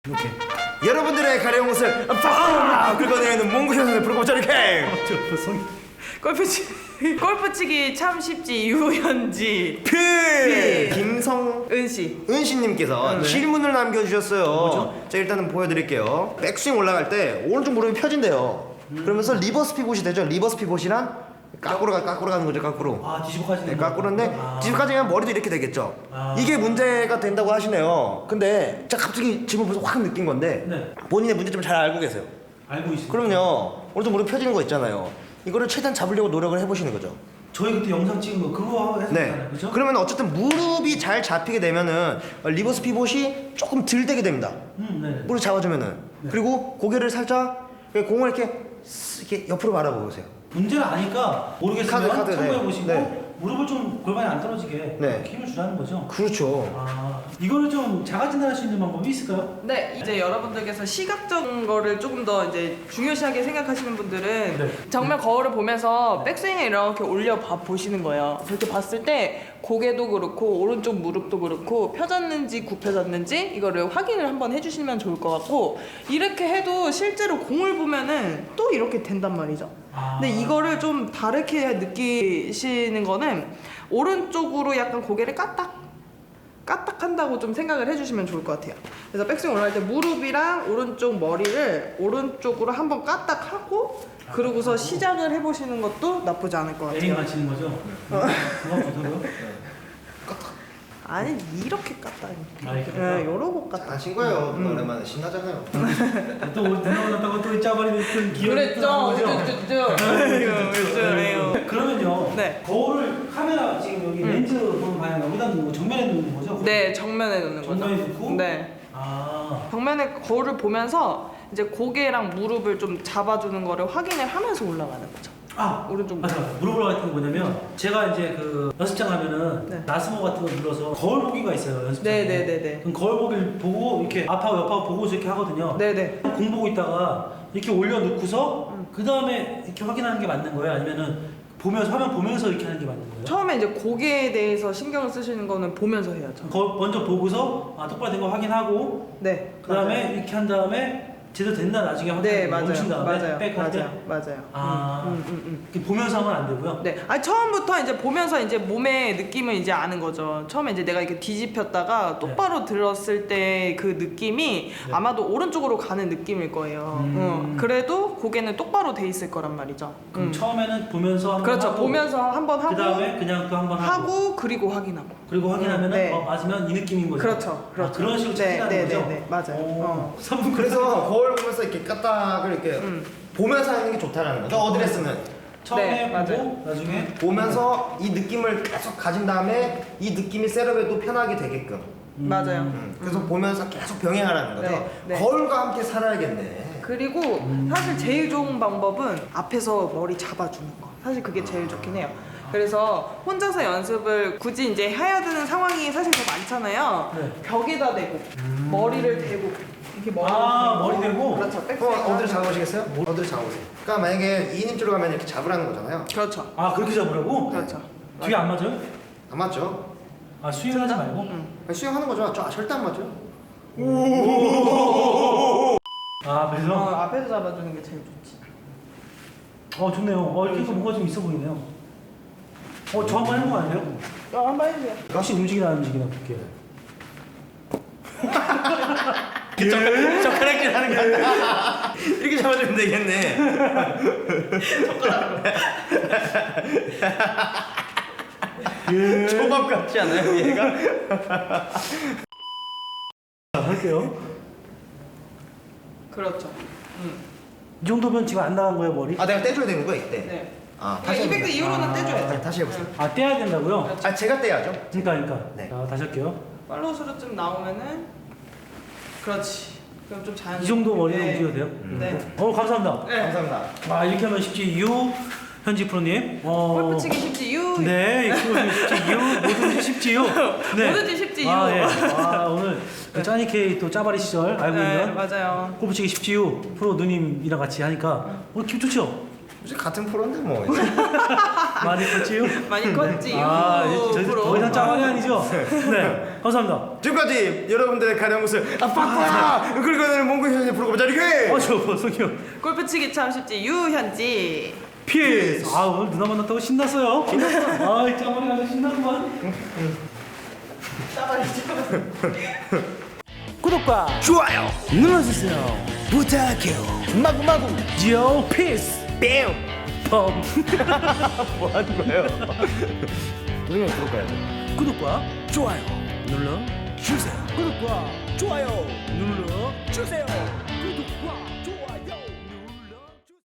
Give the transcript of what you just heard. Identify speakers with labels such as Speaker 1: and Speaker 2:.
Speaker 1: 이렇게
Speaker 2: 여러분들의 가려운 옷을 팍 긁어내는 몽구 현상을 부르고 저렇게
Speaker 3: 골프치기 참 쉽지 유현지
Speaker 2: 김성은씨님께서
Speaker 3: 은씨
Speaker 2: 질문을 남겨주셨어요.
Speaker 1: 뭐죠?
Speaker 2: 자 일단은 보여드릴게요. 백스윙 올라갈 때 오른쪽 무릎이 펴진대요. 그러면서 리버스 피봇이 되죠. 리버스 피봇이란 까꾸로 가는 거죠. 까꾸로.
Speaker 1: 아 뒤집어까지
Speaker 2: 네, 까꾸로인데 뒤집어까지 하면 머리도 이렇게 되겠죠.
Speaker 1: 아.
Speaker 2: 이게 문제가 된다고 하시네요. 근데 제가 갑자기 질문 보면서 확 느낀 건데
Speaker 1: 네.
Speaker 2: 본인의 문제점을 잘 알고 계세요.
Speaker 1: 알고 있습니다.
Speaker 2: 그럼요. 오른쪽 무릎 펴지는 거 있잖아요. 이거를 최대한 잡으려고 노력을 해보시는 거죠.
Speaker 1: 저희 그때 영상 찍은 거 그거 했었잖아요.
Speaker 2: 네.
Speaker 1: 그죠?
Speaker 2: 그러면 어쨌든 무릎이 잘 잡히게 되면은 리버스 피봇이 조금 덜 되게 됩니다.
Speaker 1: 네.
Speaker 2: 무릎 잡아주면은.
Speaker 1: 네.
Speaker 2: 그리고 고개를 살짝 공을 이렇게 옆으로 바라보세요.
Speaker 1: 문제는 아니까 모르겠으면
Speaker 2: 카드,
Speaker 1: 참고해
Speaker 2: 네.
Speaker 1: 보시고
Speaker 2: 네.
Speaker 1: 무릎을 좀 골반이 안 떨어지게
Speaker 2: 네.
Speaker 1: 이렇게 힘을 주라는 거죠.
Speaker 2: 그렇죠.
Speaker 1: 아 이거를 좀 자가 진단할 수 있는 방법이 있을까요?
Speaker 3: 네, 이제 여러분들께서 시각적인 거를 조금 더 이제 중요시하게 생각하시는 분들은
Speaker 1: 네.
Speaker 3: 정면 거울을 보면서 백스윙을 이렇게 올려 보시는 거예요. 그렇게 봤을 때 고개도 그렇고 오른쪽 무릎도 그렇고 펴졌는지 굽혀졌는지 이거를 확인을 한번 해주시면 좋을 것 같고, 이렇게 해도 실제로 공을 보면은 또 이렇게 된단 말이죠. 근데 이거를 좀 다르게 느끼시는 거는 오른쪽으로 약간 고개를 까딱한다고 좀 생각을 해주시면 좋을 것 같아요. 그래서 백스윙 올라갈 때 무릎이랑 오른쪽 머리를 오른쪽으로 한번 까딱하고 그러고서 시작을 해보시는 것도 나쁘지 않을 것
Speaker 1: 에임
Speaker 3: 같아요.
Speaker 1: 맞히는 거죠? 그거 좋다고요?
Speaker 3: 아니 이렇게 까딱.
Speaker 1: 아, 이렇게
Speaker 3: 네, 요러고 까딱.
Speaker 2: 하신 거예요. 오랜만에 신나잖아요.
Speaker 1: 또 누나갔다고 또 짜버리는 기억이
Speaker 3: 그랬죠. 그랬죠.
Speaker 1: 그러면요.
Speaker 3: 네.
Speaker 1: 거울을 카메라 지금 여기 렌즈 보는 방향 여기다 놓는 거 정면에 놓는 거죠?
Speaker 3: 네, 정면에 놓는 거죠.
Speaker 1: 정면에 놓고?
Speaker 3: 네.
Speaker 1: 아
Speaker 3: 정면에 거울을 보면서 이제 고개랑 무릎을 좀 잡아주는 거를 확인을 하면서 올라가는 거죠. 오른쪽
Speaker 1: 맞아. 무릎을 같은 게 뭐냐면 제가 이제 그 연습장 가면은
Speaker 3: 네.
Speaker 1: 나스모 같은 거 눌러서 거울 보기가 있어요 연습장에.
Speaker 3: 네네네네.
Speaker 1: 그럼 거울 보기를 보고 이렇게 앞하고 옆하고 보고서 이렇게 하거든요.
Speaker 3: 네네.
Speaker 1: 공 보고 있다가 이렇게 올려놓고서 그 다음에 이렇게 확인하는 게 맞는 거예요? 아니면은 보면서 화면 보면서 이렇게 하는 게 맞는 거예요?
Speaker 3: 처음에 이제 고개에 대해서 신경을 쓰시는 거는 보면서 해야죠.
Speaker 1: 먼저 보고서 똑바로 된 거 확인하고
Speaker 3: 네.
Speaker 1: 그 다음에
Speaker 3: 맞아요.
Speaker 1: 이렇게 한 다음에 제대로 됐나 나중에
Speaker 3: 네,
Speaker 1: 확인하고 멈춘
Speaker 3: 맞아요.
Speaker 1: 다음에
Speaker 3: 맞아요.
Speaker 1: 백할 때
Speaker 3: 맞아요.
Speaker 1: 아, 이렇게 보면서 하면 안 되고요.
Speaker 3: 네. 아니 처음부터 이제 보면서 이제 몸의 느낌을 이제 아는 거죠. 처음에 이제 내가 이렇게 뒤집혔다가 똑바로 들었을 때 그 느낌이
Speaker 1: 네.
Speaker 3: 아마도 오른쪽으로 가는 느낌일 거예요. 그래도 고개는 똑바로 돼 있을 거란 말이죠.
Speaker 1: 그럼 처음에는 보면서 한번
Speaker 3: 그렇죠.
Speaker 1: 하고
Speaker 3: 보면서 한번 하고
Speaker 1: 그 다음에 그냥 또 한번 하고
Speaker 3: 그리고 확인하고.
Speaker 1: 그리고 확인하면은
Speaker 3: 네.
Speaker 1: 맞으면 이 느낌인 거죠.
Speaker 3: 그렇죠. 그렇죠.
Speaker 1: 그런 식으로 찾으라는
Speaker 3: 네,
Speaker 1: 거죠.
Speaker 3: 네, 맞아요.
Speaker 1: 선분
Speaker 2: 그래서 거울 보면서 이렇게 까딱을 이렇게 보면서 하는 게 좋다라는 거죠. 어드레스는
Speaker 1: 처음에
Speaker 3: 네,
Speaker 1: 보고
Speaker 3: 맞아요.
Speaker 1: 나중에
Speaker 2: 보면서 이 느낌을 계속 가진 다음에 이 느낌이 셋업에도 편하게 되게끔.
Speaker 3: 맞아요.
Speaker 2: 그래서 보면서 계속 병행하라는 거죠.
Speaker 3: 네, 네.
Speaker 2: 거울과 함께 살아야겠네.
Speaker 3: 그리고 사실 제일 좋은 방법은 앞에서 머리 잡아주는 거. 사실 그게 제일 좋긴 해요. 그래서 혼자서 연습을 굳이 이제 해야 되는 상황이 사실 더 많잖아요.
Speaker 1: 네.
Speaker 3: 벽에다 대고 머리를 대고 이렇게
Speaker 1: 머리 대고?
Speaker 3: 그렇죠.
Speaker 2: 어디를 잡아보시겠어요? 어디를 잡아보세요. 그러니까 만약에 2인입주로 가면 이렇게 잡으라는 거잖아요.
Speaker 3: 그렇죠.
Speaker 1: 그렇게 잡으라고?
Speaker 3: 그렇죠.
Speaker 1: 뒤에 안 맞아요?
Speaker 2: 안 맞죠?
Speaker 1: 수영하지 말고?
Speaker 2: 아니, 수영하는 거죠. 절대 안 맞죠?
Speaker 1: 그래서?
Speaker 3: 앞에서 잡아주는 게 제일 좋지.
Speaker 1: 좋네요. 이렇게 해서 뭔가 좀 있어 보이네요. 저 한번 해보면 안 돼요?
Speaker 3: 한번 해주세요.
Speaker 1: 혹시 움직이나 안 움직이나 볼게요.
Speaker 2: 젓가락질 하는 게 아니라 이렇게 잡아주면 되겠네. 초밥 같지 않아요, 얘가?
Speaker 1: 할게요.
Speaker 3: 그렇죠.
Speaker 1: 이 정도면 지금 안 나간 거예요, 머리?
Speaker 2: 내가 떼줘야 되는 거야, 이때.
Speaker 3: 네.
Speaker 2: 다시
Speaker 3: 200대
Speaker 2: 해보세요.
Speaker 3: 이후로는 떼줘야죠.
Speaker 2: 네, 다시 해보세요.
Speaker 1: 떼야 된다고요?
Speaker 2: 제가 떼야죠.
Speaker 1: 그러니까.
Speaker 2: 네.
Speaker 1: 자, 다시 할게요.
Speaker 3: 팔로우스로 좀 나오면은 그렇지. 그럼 좀 자연.
Speaker 1: 이 정도 머리로 움직여도 돼요?
Speaker 3: 네.
Speaker 1: 감사합니다.
Speaker 3: 네.
Speaker 2: 감사합니다.
Speaker 1: 이렇게 하면 쉽지, 현지 프로님.
Speaker 3: 골프치기 쉽지 유.
Speaker 1: 네, 이거 쉽지요. 뭐든지 쉽지요. 네.
Speaker 3: 뭐든지 쉽지,
Speaker 1: 아,
Speaker 3: 유.
Speaker 1: 예. 오늘 그 짜니케이 또 짜바리 시절 알고
Speaker 3: 네,
Speaker 1: 있는
Speaker 3: 맞아요.
Speaker 1: 골프치기 쉽지요 프로 누님이랑 같이 하니까 오늘 기분 좋죠?
Speaker 2: 혹시 같은 프로인데 뭐.
Speaker 1: 많이 컸지요?
Speaker 3: 많이 컸지 유.
Speaker 1: 더 이상 짜바리 아니죠? 네. 감사합니다.
Speaker 2: 지금까지 여러분들의 가려운 것을 빠꾸야 긁어내는 몽구 현실 프로그램 자리게.
Speaker 1: 저 성형.
Speaker 3: 골프치기 참 쉽지 유현지.
Speaker 1: 피스. 아 오늘 누나 만났다고 신났어요. 아 짜머리 아주 신났구만. 구독과
Speaker 2: 좋아요
Speaker 1: 눌러주세요.
Speaker 2: 부탁해요. 마구마구
Speaker 1: 요 피스.
Speaker 2: 뺨.
Speaker 1: 펌.
Speaker 2: 뭐 하는 거예요? 동영상 구독해야 돼.
Speaker 1: 구독과
Speaker 2: 좋아요
Speaker 1: 눌러
Speaker 2: 주세요.
Speaker 1: 구독과
Speaker 2: 좋아요
Speaker 1: 눌러
Speaker 2: 주세요.
Speaker 1: 구독과